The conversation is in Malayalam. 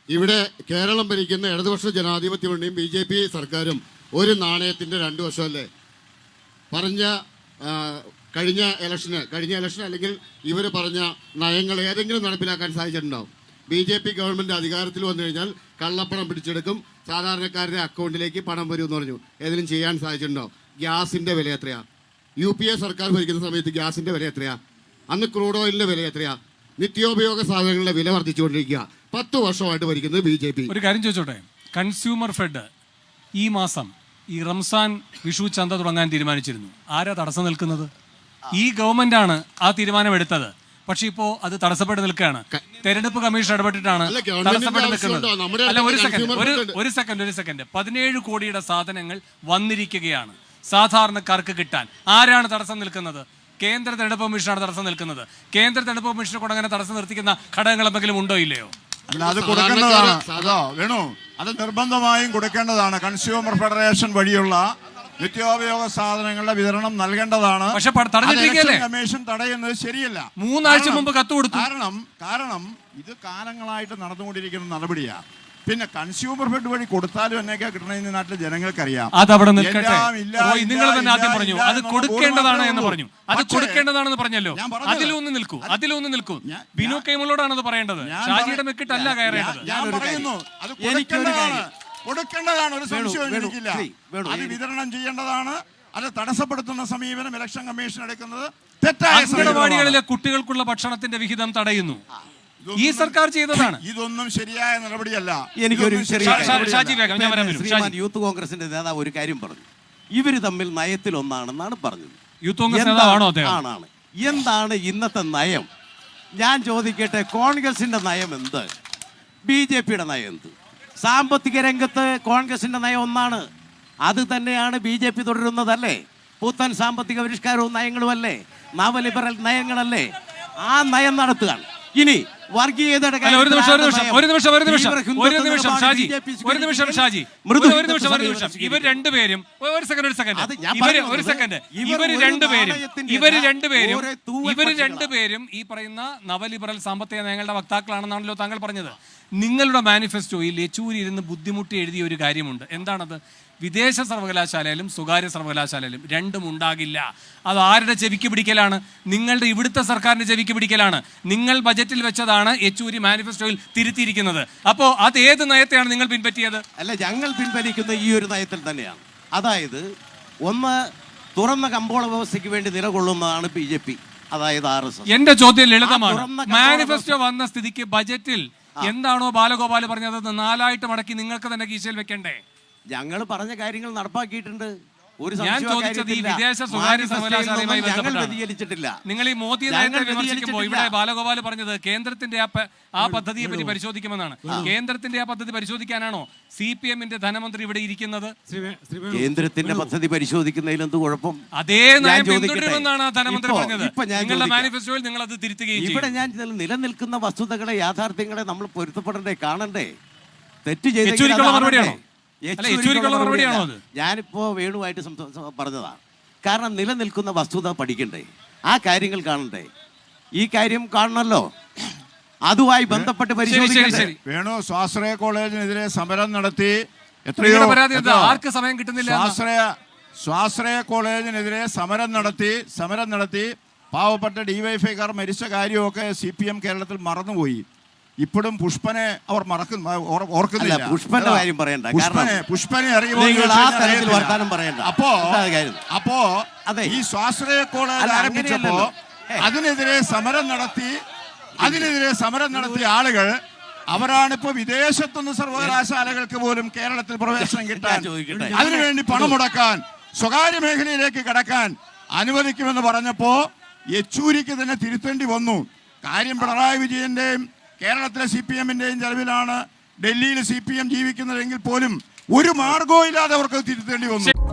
ഇവിടെ കേരളം ഭരിക്കുന്ന ഇടതുപക്ഷ ജനാധിപത്യ മുന്നണിയും BJP സർക്കാരും ഒരു നാണയത്തിൻ്റെ രണ്ട് വശമല്ലേ? കഴിഞ്ഞ ഇലക്ഷൻ അല്ലെങ്കിൽ ഇവർ പറഞ്ഞ നയങ്ങൾ ഏതെങ്കിലും നടപ്പിലാക്കാൻ സാധിച്ചിട്ടുണ്ടാവും? BJP ഗവൺമെൻറ് അധികാരത്തിൽ വന്നു കഴിഞ്ഞാൽ കള്ളപ്പണം പിടിച്ചെടുക്കും, സാധാരണക്കാരുടെ അക്കൗണ്ടിലേക്ക് പണം വരും എന്ന് പറഞ്ഞു. ഏതെങ്കിലും ചെയ്യാൻ സാധിച്ചിട്ടുണ്ടാവും? ഗ്യാസിൻ്റെ വില എത്രയാണ്? UPA സർക്കാർ ഭരിക്കുന്ന സമയത്ത് ഗ്യാസിൻ്റെ വില എത്രയാണ്? അന്ന് ക്രൂഡ് ഓയിലിൻ്റെ വില എത്രയാണ്? നിത്യോപയോഗ സാധനങ്ങളുടെ വില വർദ്ധിച്ചുകൊണ്ടിരിക്കുക. 10 വർഷമായിട്ട് ഭരിക്കുന്നത് BJP. ഒരു കാര്യം ചോദിച്ചോട്ടെ, കൺസ്യൂമർ ഫെഡ് ഈ മാസം ഈ റംസാൻ വിഷു ചന്ത തുടങ്ങാൻ തീരുമാനിച്ചിരുന്നു. ആരാ തടസ്സം നിൽക്കുന്നത്? ഈ ഗവൺമെന്റാണ് ആ തീരുമാനം എടുത്തത്. പക്ഷെ ഇപ്പോ അത് തടസ്സപ്പെട്ട് നിൽക്കുകയാണ്. തെരഞ്ഞെടുപ്പ് കമ്മീഷൻ ഇടപെട്ടിട്ടാണ് തടസ്സപ്പെട്ട് നിൽക്കുന്നത്. അല്ല, ഒരു സെക്കൻഡ് 17 കോടിയുടെ സാധനങ്ങൾ വന്നിരിക്കുകയാണ് സാധാരണക്കാർക്ക് കിട്ടാൻ. ആരാണ് തടസ്സം നിൽക്കുന്നത്? കേന്ദ്ര തെരഞ്ഞെടുപ്പ് കമ്മീഷനാണ് തടസ്സം നിൽക്കുന്നത്. കേന്ദ്ര തെരഞ്ഞെടുപ്പ് കമ്മീഷനെ കൊണ്ട് അങ്ങനെ തടസ്സം നിർത്തിക്കുന്ന ഘടകങ്ങൾ എന്തെങ്കിലും ഉണ്ടോ ഇല്ലയോ? അല്ല, അത് കൊടുക്കേണ്ടതാണ്. അതോ വേണു, അത് നിർബന്ധമായും കൊടുക്കേണ്ടതാണ്. കൺസ്യൂമർ ഫെഡറേഷൻ വഴിയുള്ള നിത്യോപയോഗ സാധനങ്ങളുടെ വിതരണം നൽകേണ്ടതാണ്. പക്ഷെ തടഞ്ഞിട്ടിരിക്കുകയല്ലേ? കമ്മീഷൻ തടയുന്നത് ശരിയല്ല. 3 ആഴ്ച മുമ്പ് കത്ത് കൊടുത്തു. കാരണം ഇത് കാലങ്ങളായിട്ട് നടന്നുകൊണ്ടിരിക്കുന്ന നടപടിയാണ്. പിന്നെ കൺസ്യൂമർ ഫെഡ് വഴി കൊടുത്താലും എന്നൊക്കെ കിട്ടണമെന്ന് നാട്ടിലെ ജനങ്ങൾക്കറിയാം. അതവിടെ നിൽക്കട്ടെ. നിങ്ങൾ തന്നെ ആദ്യം പറഞ്ഞു അത് കൊടുക്കേണ്ടതാണ് എന്ന് പറഞ്ഞു. അത് കൊടുക്കേണ്ടതാണെന്ന് പറഞ്ഞല്ലോ. അതിലൊന്ന് നിൽക്കൂ. ബിനു കൈമളോടാണ് അത് പറയേണ്ടത്. ഷാജിയുടെ മെക്കിട്ടല്ല കയറേണ്ടത്. ഞാൻ പറയുന്നു അത് കൊടുക്കേണ്ടതാണ്. ഒരു സംശയവും എനിക്കില്ല. അത് വിതരണം ചെയ്യേണ്ടതാണ്. അത് തടസ്സപ്പെടുത്തുന്ന സമീപനം ഇലക്ഷൻ കമ്മീഷൻ എടുക്കുന്നത് തെറ്റായ. അംഗനവാടികളിലെ കുട്ടികൾക്കുള്ള ഭക്ഷണത്തിന്റെ വിഹിതം തടയുന്നു. ഈ സർക്കാർ ചെയ്തതാണ്. ഇതൊന്നും ശരിയായ നടപടിയല്ല. എനിക്കൊരു യൂത്ത് കോൺഗ്രസിന്റെ നേതാവ് ഒരു കാര്യം പറഞ്ഞു. ഇവര് തമ്മിൽ നയത്തിൽ ഒന്നാണെന്നാണ് പറഞ്ഞത്. യൂത്ത് കോൺഗ്രസ് നേതാവാണോ? ആണ്. എന്താണ് ഇന്നത്തെ നയം? ഞാൻ ചോദിക്കട്ടെ, കോൺഗ്രസിന്റെ നയം എന്ത്? BJPയുടെ നയം എന്ത്? സാമ്പത്തിക രംഗത്ത് കോൺഗ്രസിന്റെ നയം ഒന്നാണ്. അത് തന്നെയാണ് BJP തുടരുന്നതല്ലേ? പുത്തൻ സാമ്പത്തിക പരിഷ്കാരവും നയങ്ങളും അല്ലേ? നവലിബറൽ നയങ്ങളല്ലേ? ആ നയം നടത്തുകയാണ്. ഇനി വർഗീയതയുടെ ഇവർ രണ്ടുപേരും ഈ പറയുന്ന നവലിബറൽ സാമ്പത്തിക നയങ്ങളുടെ വക്താക്കളാണെന്നാണല്ലോ താങ്കൾ പറഞ്ഞത്. നിങ്ങളുടെ മാനിഫെസ്റ്റോയിൽ യെച്ചൂരി ഇരുന്ന് ബുദ്ധിമുട്ടി എഴുതിയ ഒരു കാര്യമുണ്ട്. എന്താണത്? വിദേശ സർവകലാശാലയിലും സ്വകാര്യ സർവകലാശാലയിലും രണ്ടും ഉണ്ടാകില്ല. അത് ആരുടെ ചെവിക്ക് പിടിക്കലാണ്? നിങ്ങളുടെ ഇവിടുത്തെ സർക്കാരിന്റെ ചെവിക്ക് പിടിക്കലാണ്. നിങ്ങൾ ബജറ്റിൽ വെച്ചതാണ് യെച്ചൂരി മാനിഫെസ്റ്റോയിൽ തിരുത്തിയിരിക്കുന്നത്. അപ്പോൾ അത് ഏത് നയത്തെയാണ് നിങ്ങൾ പിൻപറ്റിയത്? അല്ല, ഞങ്ങൾ പിൻവലിക്കുന്ന ഈ ഒരു നയത്തിൽ തന്നെയാണ്. അതായത് ഒന്ന്, തുറന്ന കമ്പോള വ്യവസ്ഥയ്ക്ക് വേണ്ടി നിലകൊള്ളുന്നതാണ് BJP, അതായത് RSS. എന്റെ ചോദ്യം ലളിതമാണ്. മാനിഫെസ്റ്റോ വന്ന സ്ഥിതിക്ക് ബജറ്റിൽ എന്താണോ ബാലഗോപാൽ പറഞ്ഞത് 4 മടക്കി നിങ്ങൾക്ക് തന്നെ കീശയിൽ വെക്കണ്ടേ? ഞങ്ങൾ പറഞ്ഞ കാര്യങ്ങൾ നടപ്പാക്കിയിട്ടുണ്ട്. ഞാൻ ചോദിച്ചത് ഈ വിദേശ സ്വകാര്യ സർവകലാശാലയുമായി ബന്ധപ്പെട്ടില്ല. നിങ്ങൾ ഈ മോദി നയത്തെ വിമർശിക്കുമ്പോൾ ഇവിടെ ബാലഗോപാൽ പറഞ്ഞത് കേന്ദ്രത്തിന്റെ ആ പദ്ധതിയെ പറ്റി പരിശോധിക്കുമെന്നാണ്. കേന്ദ്രത്തിന്റെ ആ പദ്ധതി പരിശോധിക്കാനാണോ CPM-ന്റെ ധനമന്ത്രി ഇവിടെ ഇരിക്കുന്നത്? കേന്ദ്രത്തിന്റെ പദ്ധതി പരിശോധിക്കുന്നതിൽ എന്ത് കുഴപ്പം? അതേ നയം പിന്തുടരുമെന്നാണ് ആ ധനമന്ത്രി പറഞ്ഞത്. നിങ്ങളുടെ മാനിഫെസ്റ്റോയിൽ നിങ്ങൾ അത് തിരുത്തുകയും ചെയ്യും. ഇവിടെ ഞാൻ നിലനിൽക്കുന്ന വസ്തുതകളെ, യാഥാർത്ഥ്യങ്ങളെ നമ്മൾ പൊരുത്തപ്പെടണ്ടേ, കാണണ്ടേ? തെറ്റ് ചെയ്ത ഞാനിപ്പോ വേണുവായിട്ട് പറഞ്ഞതാണ്. കാരണം നിലനിൽക്കുന്ന വസ്തുത പഠിക്കണ്ടേ, ആ കാര്യങ്ങൾ കാണണ്ടേ? ഈ കാര്യം കാണണല്ലോ, അതുമായി ബന്ധപ്പെട്ട് പരിശോധിക്കണ്ടേ? വേണു സ്വാശ്രയ കോളേജിനെതിരെ സമരം നടത്തി. ആർക്ക് സമയം കിട്ടുന്നില്ല? സ്വാശ്രയ കോളേജിനെതിരെ സമരം നടത്തി പാവപ്പെട്ട DYFIക്കാർ മരിച്ച കാര്യമൊക്കെ CPM കേരളത്തിൽ മറന്നുപോയി. ഇപ്പോഴും പുഷ്പനെ അവർ ഓർക്കുന്നില്ല. പുഷ്പന്റെ കാര്യം പറയണ്ട. പുഷ്പനെ അപ്പോ ഈ സ്വാശ്രയ കോളേജ് ആരംഭിച്ചപ്പോ അതിനെതിരെ സമരം നടത്തിയ ആളുകൾ അവരാണിപ്പോ വിദേശത്തുനിന്ന് സർവകലാശാലകൾക്ക് പോലും കേരളത്തിൽ പ്രവേശനം കിട്ടാൻ, അതിനുവേണ്ടി പണം മുടക്കാൻ, സ്വകാര്യ മേഖലയിലേക്ക് കടക്കാൻ അനുവദിക്കുമെന്ന് പറഞ്ഞപ്പോ യെച്ചൂരിക്ക് തന്നെ തിരുത്തേണ്ടി വന്നു. കാര്യം പിണറായി വിജയന്റെയും കേരളത്തിലെ CPM-ന്റെയും ചെലവിലാണ് ഡൽഹിയിൽ CPM ജീവിക്കുന്നതെങ്കിൽ പോലും ഒരു മാർഗവും ഇല്ലാതെ അവർക്ക് തിരുത്തേണ്ടി വന്നു.